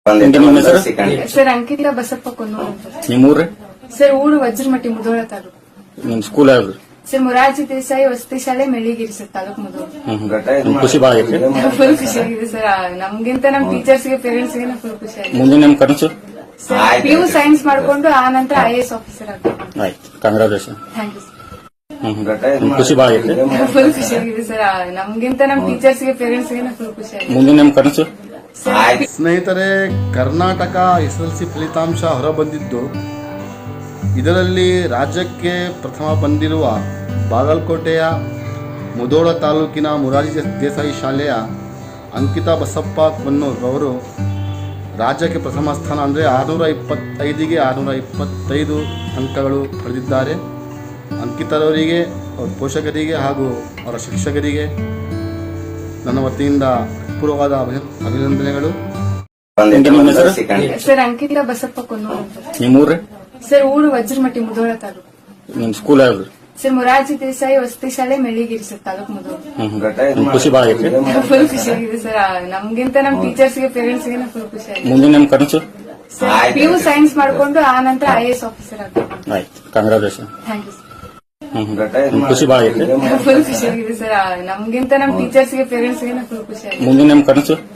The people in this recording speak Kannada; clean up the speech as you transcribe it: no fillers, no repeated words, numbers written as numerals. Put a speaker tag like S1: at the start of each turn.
S1: ನಿಮ್ಮ ಹೆಸರು?
S2: ಸರ್ ಅಂಕಿತಾ ಬಸಪ್ಪ ಕೊನ್ನೂರು ಅಂತ.
S1: ನಿಮ್ಮ ಊರ್ರಿ?
S2: ಸರ್ ಊರು ವಜ್ರಮಟ್ಟಿ ಮುಧೋಳ ತಾಲೂಕು.
S1: ನಿಮ್ ಸ್ಕೂಲ್ ಯಾವ್ದು?
S2: ಸರ್ ಮೊರಾರ್ಜಿ ದೇಸಾಯಿ ವಸತಿ ಶಾಲೆ ಮೆಳ್ಳಿಗಿರಿ ಸರ್ ತಾಲೂಕು ಮುಧೋಳ.
S1: ನಿಮ್ ಖುಷಿ ಬಾಳ ಐತಿ?
S2: ಫುಲ್ ಖುಷಿಯಾಗಿದೆ ಸರ್. ನಮ್ಗಿಂತ ನಮ್ ಟೀಚರ್ಸ್ ಗೆ ಪೇರೆಂಟ್ಸ್ ಗೆ ಫುಲ್ ಖುಷಿ ಆಗಿದೆ.
S1: ಮುಂದೆ ನಿಮ್ ಕನಸು?
S2: ಸರ್ PU ಸೈನ್ಸ್ ಮಾಡ್ಕೊಂಡು ಆ ನಂತರ IAS ಆಫೀಸರ್ ಆಗ್ಬೇಕು.
S1: ಆಯ್ತು, ಕಂಗ್ರಾಚುಲೇಷನ್.
S2: Thank you sir.
S1: ನಿಮ್ ಖುಷಿ ಬಾಳ ಐತಿ?
S2: ಫುಲ್ ಖುಷಿಯಾಗಿದೆ ಸರ್. ನಮ್ಗಿಂತ ನಮ್ ಟೀಚರ್ಸ್ ಗೆ ಪೇರೆಂಟ್ಸ್ ಗೆ ಫುಲ್ ಖುಷಿ ಆಗಿದೆ.
S1: ಮುಂದೆ ನಿಮ್ ಕನಸು?
S3: ಸ್ನೇಹಿತರೆ, ಕರ್ನಾಟಕ SSLC ಫಲಿತಾಂಶ ಹೊರಬಂದಿದ್ದು, ಇದರಲ್ಲಿ ರಾಜ್ಯಕ್ಕೆ ಪ್ರಥಮ ಬಂದಿರುವ ಬಾಗಲಕೋಟೆಯ ಮುಧೋಳ ತಾಲೂಕಿನ ಮೊರಾರ್ಜಿ ದೇಸಾಯಿ ಶಾಲೆಯ ಅಂಕಿತಾ ಬಸಪ್ಪ ಕೊನ್ನೂರು ಅವರು ರಾಜ್ಯಕ್ಕೆ ಪ್ರಥಮ ಸ್ಥಾನ ಅಂದರೆ 625ಗೆ 625 ಅಂಕಗಳು ಪಡೆದಿದ್ದಾರೆ. ಅಂಕಿತರವರಿಗೆ, ಅವರ ಪೋಷಕರಿಗೆ ಹಾಗೂ ಅವರ ಶಿಕ್ಷಕರಿಗೆ ನನ್ನ ವತಿಯಿಂದ ಪೂರ್ವವಾದ ಅಭಿನಂದನೆಗಳು.
S1: ನಿಮ್ಮ ಹೆಸರು?
S2: ಸರ್ ಅಂಕಿತಾ ಬಸಪ್ಪ ಕೊನ್ನೂರು ಅಂತ.
S1: ನಿಮ್ಮ ಊರ್ರಿ?
S2: ಸರ್ ಊರು ವಜ್ರಮಟ್ಟಿ ಮುಧೋಳ ತಾಲೂಕು.
S1: ನಿಮ್ ಸ್ಕೂಲ್ ಯಾವ್ದು?
S2: ಸರ್ ಮೊರಾರ್ಜಿ ದೇಸಾಯಿ ವಸತಿ ಶಾಲೆ ಮೆಳ್ಳಿಗಿರಿ ಸರ್ ತಾಲೂಕು ಮುಧೋಳ.
S1: ನಿಮ್ ಖುಷಿ ಬಾಳ ಐತಿ?
S2: ಫುಲ್ ಖುಷಿಯಾಗಿದೆ ಸರ್. ನಮ್ಗಿಂತ ನಮ್ ಟೀಚರ್ಸ್ ಗೆ ಪೇರೆಂಟ್ಸ್ ಗೆ ಫುಲ್ ಖುಷಿ ಆಗಿದೆ.
S1: ಮುಂದೆ ನಿಮ್ ಕನಸು?
S2: ಸರ್ PU ಸೈನ್ಸ್ ಮಾಡ್ಕೊಂಡು ಆ ನಂತರ IAS ಆಫೀಸರ್ ಆಗ್ಬೇಕು.
S1: ಆಯ್ತು, ಕಂಗ್ರಾಚುಲೇಷನ್.
S2: Thank you sir.
S1: ನಿಮ್ ಖುಷಿ ಬಾಳ ಐತಿ?
S2: ಫುಲ್ ಖುಷಿಯಾಗಿದೆ ಸರ್. ನಮ್ಗಿಂತ ನಮ್ ಟೀಚರ್ಸ್ ಗೆ ಪೇರೆಂಟ್ಸ್ ಗೆ ಫುಲ್ ಖುಷಿ ಆಗಿದೆ.
S1: ಮುಂದೆ ನಿಮ್ ಕನಸು?